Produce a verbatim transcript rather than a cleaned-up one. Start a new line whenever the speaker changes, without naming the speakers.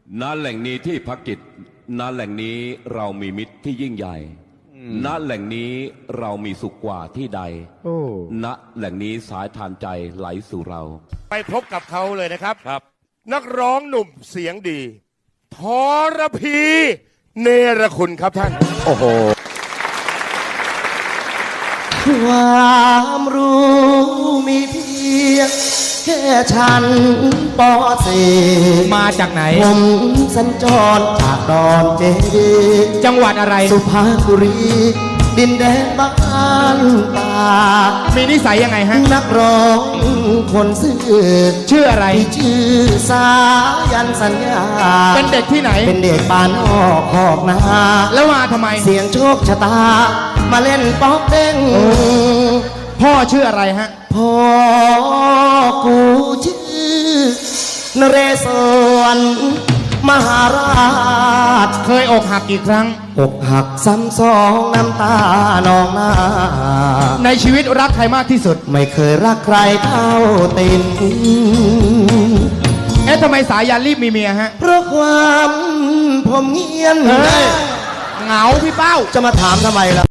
ณแหล่งนี้ที่พักจิตณแหล่งนี้เรามีมิตรที่ยิ่งใหญ่ณแหล่งนี้เรามีสุขกว่าที่ใดณแหล่งนี้สายทานใจไหลสู่เรา
ไปพบกับเขาเลยนะครับ
ครับ
นักร้องหนุ่มเสียงดีทรพีเนรคุณครับท่าน
โอ้โห
ความรู้มีเพียงแค่ฉันปอเส
มาจากไหน
ผมสัญจรจากดอนเจดี
จังหวัดอะไร
สุพรรณบุรีดินแดนบ้านป่า
มีนิสัยยังไงฮะ
นักร้องคนซื่อ
ชื่ออะไร
ชื่อสายันสัญญา
เป็นเด็กที่ไหน
เป็นเด็กบ้านนอกขอกนา
แล้วมาทำไม
เสียงโชคชะตามาเล่นป๊อกเด้ง
พ่อชื่ออะไรฮะ
พ่อกูชื่อนเรศวรมหาราช
เคยอกหักกี่ครั้ง
อกหักซ้ำสองน้ำตานองหน้า
ในชีวิตรักใครมากที่สุด
ไม่เคยรักใครเท่าติน
เอ๊ะทำไมสายันรีบมีเมียฮะ
เพราะความผมเงียน
เหงาพี่เป้า
จะมาถามทำไมล่ะ